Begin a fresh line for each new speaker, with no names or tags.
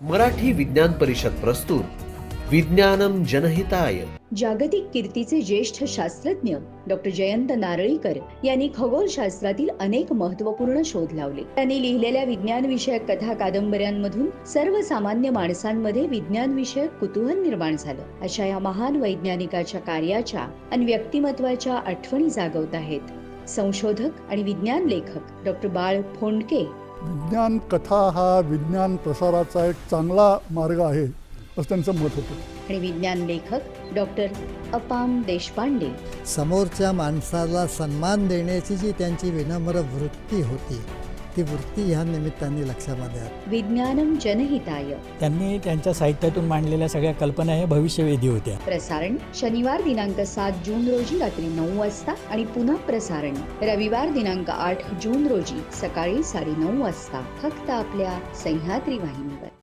मराठी विज्ञान परिषद प्रस्तुत विज्ञानम जनहिताय.
जागतिक कीर्तीचे ज्येष्ठ शास्त्रज्ञ डॉक्टर जयंत नारळीकर यांनी खगोलशास्त्रातील अनेक महत्त्वपूर्ण शोध लावले. त्यांनी लिहिलेल्या विज्ञान विषयक कथा कादंबऱ्यांमधून सर्वसामान्य माणसांमध्ये विज्ञान विषयक कुतूहल निर्माण झालं. अशा या महान वैज्ञानिकाच्या कार्याच्या आणि व्यक्तिमत्वाच्या आठवणी जागवत आहेत संशोधक आणि विज्ञान लेखक डॉक्टर बाळ फोंडके.
विज्ञान कथा हा विज्ञान प्रसाराचा एक चांगला मार्ग आहे असं त्यांचं मत होतं.
आणि विज्ञान लेखक डॉक्टर अपाम देशपांडे.
समोरच्या माणसाला सन्मान देण्याची जी त्यांची विनम्र वृत्ती होती ती वृत्ती ह्या निमित्ताने लक्षामध्ये आली.
विज्ञानम जनहिताय.
त्यांनी त्यांच्या साहित्यातून मांडलेल्या सगळ्या कल्पना ह्या भविष्यवेधी होत्या.
प्रसारण शनिवार दिनांक 7 जून रोजी रात्री 9 वाजता आणि पुन्हा प्रसारण रविवार दिनांक 8 जून रोजी सकाळी 9:30 वाजता फक्त आपल्या सह्याद्री वाहिनीवर.